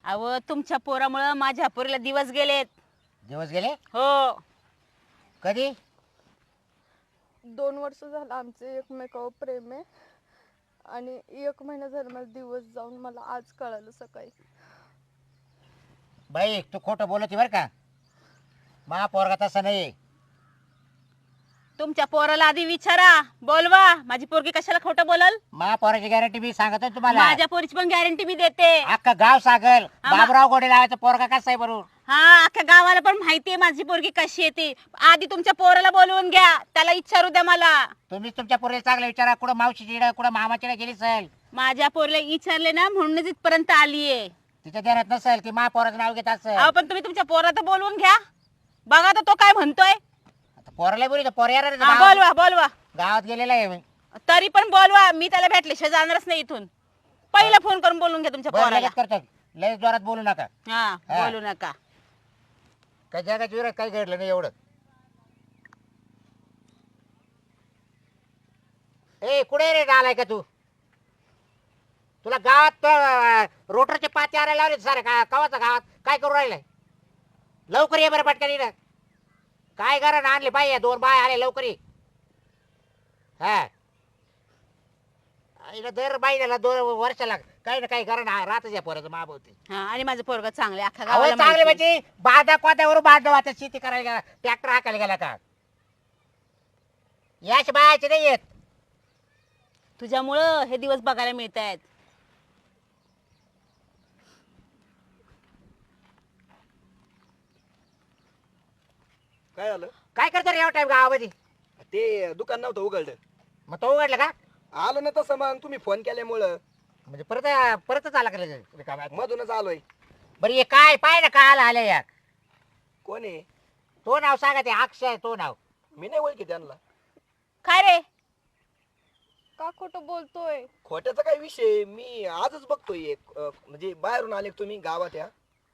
अहो तुमच्या पोरामुळे माझ्या पोरीला दिवस गेलेत. दिवस गेले हो. कधी? 2 वर्ष झालं आमचे एकमेकावर प्रेम आहे आणि 1 महिना झाला मला दिवस जाऊन मला आज कळालं सकाळी. बाई तू खोटं बोलती बर का. मा पोरगा तसा नाही. तुमच्या पोराला आधी विचारा, बोलवा. माझी पोरगी कशाला खोटं बोलल? मा पोराची गॅरंटी मी सांगतोय तुम्हाला. माझ्या पोरीची पण गॅरंटी मी देते. अख्खा गाव सागल बाबराव गोडे लावायचा पोरगा कसा आहे बरोबर. हा, अख्ख्या गावाला पण माहितीये माझी पोरगी कशी येते. आधी तुमच्या पोराला बोलवून घ्या, त्याला विचारू द्या मला. तुम्ही तुमच्या पोरीला चांगला विचारा. कुठं मावशीची कुठं मामाची गेली असेल. माझ्या पोरीला विचारले ना म्हणूनच इथपर्यंत आलीये. तिच्या ध्यानात नसेल ती मा पोराचं नाव घेत असेल. अहो पण तुम्ही तुमच्या पोराला बोलवून घ्या. बघा तर तो काय म्हणतोय. आता पोराला बोलू पोर येणार आहे हा, गावात. बोलवा बोलवा. गावात गेलेला आहे मी. तरी पण बोलवा. मी त्याला भेटल्याशिवाय जाणारच नाही इथून. पहिला फोन करून बोलून घ्या तुमच्या बरं, पोराला. लगेच करतो. लय जोरात बोलू नका. हा, हा. बोलू नका. काही जगाच्या विरोधात काही घडलं नाही एवढं. ए कुठे रे आलाय का तू? तुला गावात रोटरचे पाते आणायला लावले सारे का कवाचा गावात काय करू राहिलाय? लवकर ये बरं पटकन ये. काय करा आणले बाई 2 बाय आले लवकर ये. हा इला दर बाईला 2 वर्षाला काही ना काही करा राहतच या पोराचं माभवते. हा, आणि माझं पोरग चांगले अख्खा अहो गावाला चांगले माहिती. म्हणजे बाधा कोत्यावर बांधव आता शेती करायला गेला ट्रॅक्टर हाकायला गेला का? याच बायाचे नाही येत. तुझ्यामुळं हे दिवस बघायला मिळत आहेत. काय झालं? काय करतो रे एवढा टाइम गावामध्ये? ते दुकान नव्हतं उघडलं. मग तो उघडला का? आलो ना तसं मग तुम्ही फोन केल्यामुळं म्हणजे परतच आला का रिकाम्यात? मधूनच आलोय. बरं ये काय पाय ना काय आलं या कोण आहे? तो नाव सांगा ते अक्षय तो नाव. मी नाही ओळखी त्यांना. काय रे? का खोटं बोलतोय? खोट्याचा काय विषय? मी आजच बघतोय एक म्हणजे बाहेरून आले का तुम्ही गावात या?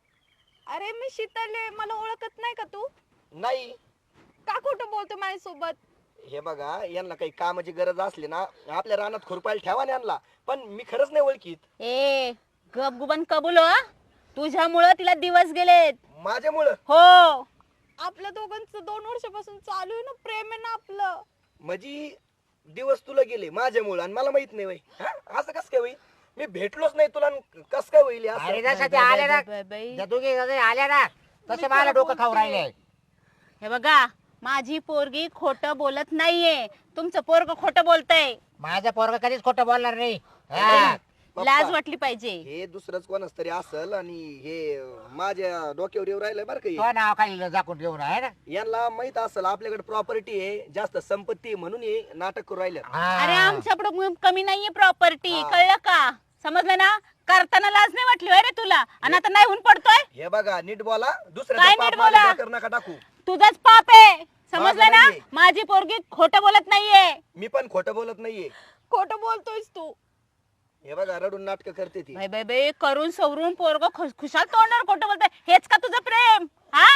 अरे मी शीतले, मला ओळखत नाही का तू? नाही. का खोटं बोलतो माझ्यासोबत? हे बघा यांना काही कामाची गरज असली ना आपल्या रानात खुरपायला ठेवा यांना. पण मी खरंच नाही ओळखीत. ए गपगुबन कबूल हो. तुझ्यामुळं तिला दिवस गेलेत. माझ्यामुळं? हो. आपल्या दोघांचं 2 वर्षापासून चालू आहे ना प्रेम आहे ना आपलं. म्हणजे दिवस तुला गेले माझ्यामुळं आणि मला माहित नाही. वय असं कस काय होईल? मी भेटलोच नाही तुला कस काय होईल असं? अरे जसं ते आले ना बाई. त्या दोघी आल्या ना तसे मला डोकं खाऊ राहिले. हे बघा माझी पोरगी खोटं बोलत नाहीये. तुमचं पोरग खोटं बोलतय. माझा पोरगा कधीच खोटं बोलणार नाही. हा. पप्पा, लाज वाटली पाहिजे. हे दुसरंच कोणाच तरी असल आणि हे माझ्या डोक्यावर येऊ राहिलंय बरं का हे. तो नाव खाली झाकून ठेवून आहे ना. यांना माहित असेल आपल्याकडे प्रॉपर्टी आहे जास्त संपत्ती आहे म्हणून हे नाटक करू राहिलं. हा. अरे आमच्याकडे कमी नाहीये प्रॉपर्टी. हा. कळलं का? समजलं ना? करताना लाज नाही वाटली होय रे तुला? आणि आता नाही होऊन पडतोय. हे बघा नीट बोला. काय दुसऱ्याचा नीट पाप बोला? माझ्या डोक्यावर नका टाकू. तुझाच पाप आहे. समजलं माझं ना? नाहीये. माझी पोरगी खोटं बोलत नाहीये. मी पण खोटं बोलत नाहीये. खोटं बोलतोयस तू. हे बघा रडून नाटक करते ती. बाई बाई बाई करून सवरून पोरग खुशाल तोंडावर खोटं बोलतोय. हेच का तुझं प्रेम? हा,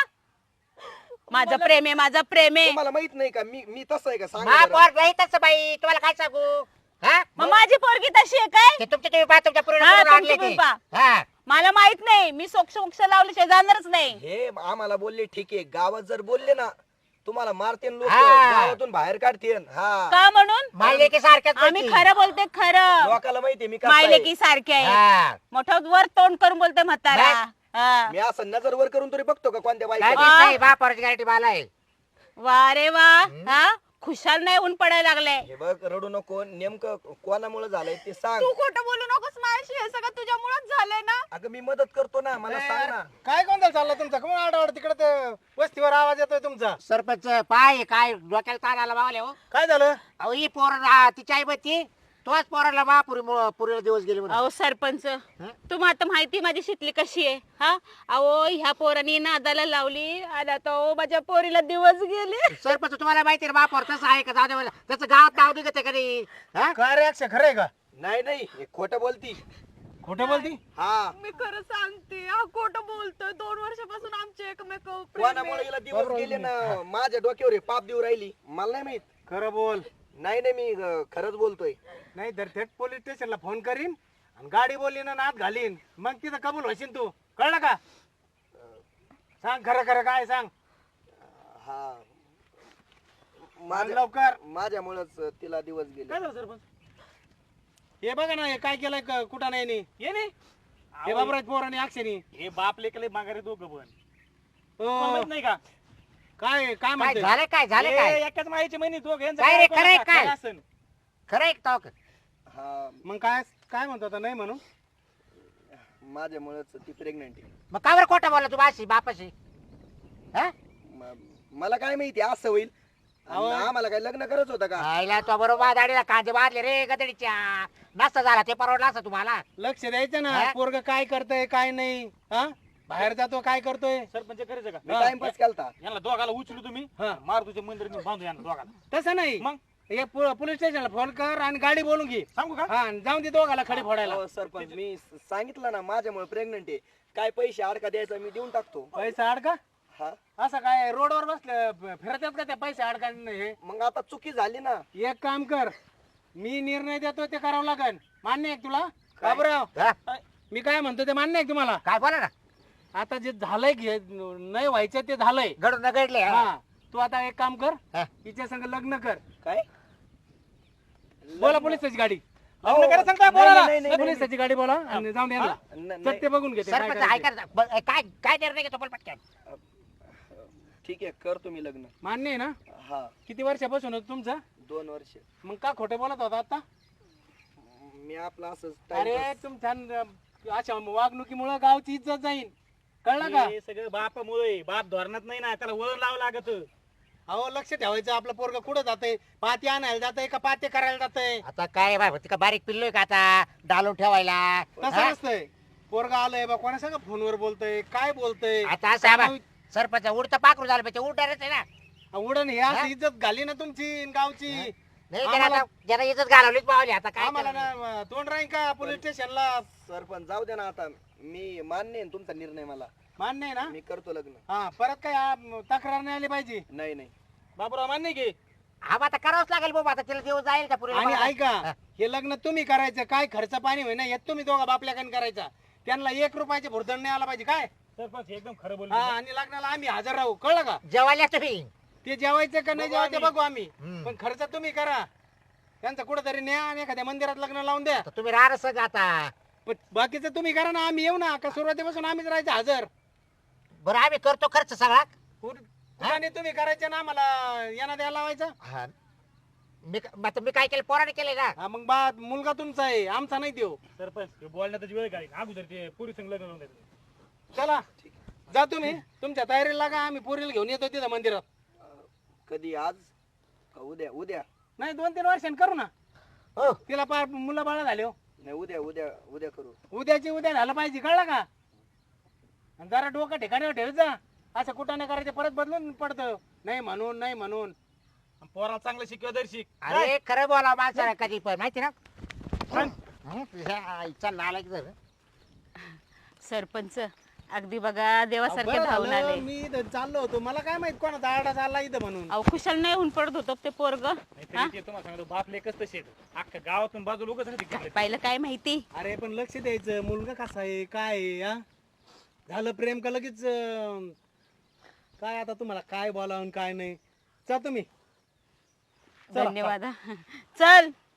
माझं प्रेम आहे, माझं प्रेम आहे. तुम्हाला माहित नाही का मी तसं आहे का? मा सांगा बरं. पोर नाही तसं बाई तुम्हाला काय सांगू. हा मग माझी पोरगी तशी आहे काय? ते तुमच्या तुम्ही पहा तुमच्या हा, पूर्ण आणले तुमची ते. पहा. हा मला माहित नाही. मी सोक्ष लावल्याशिवाय जाणारच नाही. हे आम्हाला बोलले ठीक आहे. गावात जर बोलले ना तुम्हाला मारते लोक हा. गावातून बाहेर काढते. हा का म्हणून? मायले की सारख्याच आम्ही पैकी. खरं बोलते खरं. लोकाला माहितीये मी कसं मायले आहे. की सारखे आहे. हा. मोठं वर तोंड करून बोलते म्हातारा. हा. मी असं नजर वर करून तरी बघतो का कोणत्या काय बाईक. वा. नाही बा पोराची गॅरंटी मला आहे. वा रे वा. हा, खुशाल नाही ऊन पडायला लागले. हे बघ रडू नको. नेमकं कोणामुळे झालंय ते सांग. तू खोटं बोलू नकोस माझ्याशी. हे सगळं तुझ्यामुळेच झालंय ना. अगं मी मदत करतो ना. मला सांग ना. काय गोंधळ चालला तुमचा? कोण आडावड तिकडे ते वस्तीवर आवाज येतोय तुमचा? सरपंच पाय काय डोक्याला ताण आला मावले हो. काय झालं? अहो ही पोर तिची आई बत्ती तोच पोराला पुरीला दिवस गेले म्हणून. अहो सरपंच, तुम्हाला आता माहिती माझी शितली कशी आहे. हा, अहो ह्या पोरांनी नादाला लावली आणि आता माझ्या पोरीला दिवस गेले. सरपंच तुम्हाला माहिती आहे बापोर तसं आहे का? जाऊ दे मला. त्याचं गावात नाव निघत कधी. हा? काय रे अक्षय, खरंय का? नाही हे खोटं बोलती. खोटं बोलती? हा मी खरं सांगते. हा खोटं बोलतोय. 2 वर्षापासून आमचे एकमेकावर प्रेम कोणामुळे आहे. हिला दिवस गेले ना माझ्या डोक्यावर हे पाप देऊ राहिली. मला नाही माहित. खरं बोल. नाही मी खरंच बोलतोय. नाही तर थेट पोलीस स्टेशनला फोन करीन आणि गाडी बोलली ना नात घालीन मग तिथं कबूल होशील तू, कळलं का? सांग खरं खरं काय सांग. हा सांग लवकर. माझ्यामुळेच तिला दिवस गेले. काय झालं सरपंच? हे बघा ना, हे काय केलंय कुठं नाही नी. ये नाही हे बाबराज पोर आणि अक्षरी. हे बाप लेकले माघारी दोघं पण तुम्हाला हो. माहित नाही का काय काय काय म्हणते? झालं काय झालं काय हे एकाच माईची महिनी दोघं यांचं काय रे, कोणाचं खरंय काय काय? असन? खरं आहे का तो? हा मग काय काय म्हणतो आता नाही म्हणून? माझ्यामुळेच ती प्रेग्नेंट आहे. मग का बरं खोटं बोलला तू बाशी बापाशी? हा? मला काय माहिती असं होईल. अहो. आम्हाला काय लग्न करत होतं का? आईला तो बरोबर दाढीला कांदे बांधले रे गदडीच्या. नसता झाला ते परवडला असं तुम्हाला. लक्ष द्यायचं ना, हा? पोरग काय करतय काय नाही. हा बाहेर जातो काय करतोय. सरपंच करायचं का मी टाइमपास केलता. यांना दोघाला उचलू तुम्ही हा. मार तुझ्या मंदिर बांधू यांना दोघाला तसं नाही, मग हे पोलीस स्टेशनला फोन कर आणि गाडी बोलून घे. सांगू का हा आणि जाऊन दे दोघाला खडी फोडायला. अहो, सरपंच मी सांगितलं ना माझ्यामुळे प्रेग्नेंट आहे. काय पैसे अडका द्यायचा मी देऊन टाकतो. पैसा अडका हा असं काय रोडवर बसलं फिरतात का त्या पैसे अडका हे? मग आता चुकी झाली ना. एक काम कर, मी निर्णय देतो ते करावं लागेल. मान्य आहे का तुला काय? बाबराव? हा? मी काय म्हणतो ते मान्य आहे का तुम्हाला? काय बोला ना, आता जे झालंय घे नाही व्हायचं ते झालंय. घडून न घडले. हा तू आता एक काम कर, हा. तिच्या संग लग्न कर. काय बोला पोलिसाची गाडी. लग्न करायला सांगताय नाही, पोराला? नाही, नाही, नाही. पोलिसाची गाडी बोला आणि जाऊन द्या नाही. ते बघून घेते काय सरपंच करायचं. ऐका ना, काय काय निर्णय घेतो बोल पटकन. ठीक आहे करतो मी लग्न. मान्य आहे ना? हा किती वर्षापासून होतं तुमचं? 2 वर्ष. मग का खोटं बोलत होता आता? मी आपलं असंच अरे टाइमपास. तुमच्या अशा वागणुकीमुळे गावची इज्जत जाईल, कळलं का? हे सगळं बापामुळे बाप धोरणात नाही ना, त्याला वळण लावं लागत. अहो लक्ष ठेवायचं, आपलं पोरग कुठं जातंय? पाती आणायला जातंय का पाते करायला जातंय? आता काय बाबा तिका बारीक पिल्लोय का आता डालून ठेवायला? तसं हा? नसतंय. पोरग आलंय बा, कोणा सगळं फोनवर बोलतय, काय बोलतय? आता असं आहे बा, सरपंच उडतं पाखरू झालं पाहिजे, उडणारच आहे ना. उडण हे असं इज्जत घाली ना तुमची न गावची. नाही त्याला आता ज्याला इज्जत घालवलीच पावली आता काय आम्हाला करणार? ना तोंड राहील का पोलीस स्टेशनला? सरपंच जाऊ दे ना आता. मी मान्य आहे तुमचा निर्णय मला. मान्य आहे ना? मी करतो लग्न. हा परत काय तक्रार नाही आली पाहिजे. नाही नाही बाबूराव मान्य की हा मग आता करावंच लागेल बाबा, आता तिला दिवस जाईल का पुरीला आणि बघायला? ऐका, हा. हे लग्न तुम्ही करायचं, काय खर्च पाणी होईना हे तुम्ही दोघा बापल्याकडे करायचा. त्यांना 1 रुपयाचे भुर्दंड नाही आला पाहिजे काय. सरपंच एकदम खरं बोल हा आणि लग्नाला आम्ही हजर राहू, कळलं का? जेवायला तुम्ही ते जेवायचं का नाही बघू जेवायचं आम्ही. बघू आम्ही, हम्म. पण खर्च तुम्ही करा. त्यांचं कुठेतरी न्या आणि एखाद्या मंदिरात लग्न लावून द्या. तर तुम्ही राहणार सगळं आता. पण बाकीचं तुम्ही करा ना, आम्ही येऊ ना का? सुरुवातीपासून आम्हीच राहायचं हजर. बरं आम्ही करतो खर्च सगळा. आणि तुम्ही करायचं ना, आम्हाला यांना द्यायला लावायचं. हा. आता मी काय केलं, पोराने केलंय ना. हा मग बा मुलगा तुमचा आहे, आमचा नाही देऊ. सरपंच हे बोलण्यातच वेळ काढीन अगोदर ते पुरी संग लग्न लावून द्यायचं. चला जा तुम्ही तुमच्या तयारीला लागा, आम्ही पोरीला घेऊन येतो तिथं मंदिरात. कधी आज का उद्या? उद्या नाही 2-3 वर्षांनी करू ना. हो तिला पार मुलं बाळा झाले हो. नाही उद्या उद्या उद्या करू. उद्याची उद्या झालं पाहिजे, कळलं का? आणि जरा डोकं ठिकाणी ठेव जा. असं कुठं नाही करायचं, परत बदलून पडतं. नाही म्हणून नाही म्हणून. आणि पोराला चांगलं शिकवा दर्शिक. अरे खरं बोला माणसाला कधी पण माहिती ना. हं, तुझ्या आईचा नालायक जर. सरपंच अगदी बघा देवासारखे बरं धावून झालं, आले. मी इथं चाललो होतो, मला काय माहित कोणाचा आरडा चालला इथं म्हणून. अहो कुशल नाही होऊन पडत होतो ते पोरग. नाहीतरी ते तुम्हाला सांगतो बाप लेकच तसे अख्खा गावातून बाजूला उगाच नाही तिकडे. पाहिलं काय माहिती. अरे पण लक्ष द्यायचं, मुलगा कसा आहे काय आहे, हा? झालं प्रेम का लगेच काय आता तुम्हाला काय बोलावं आणि काय नाही. जा तुम्ही. चला. धन्यवाद हा. चल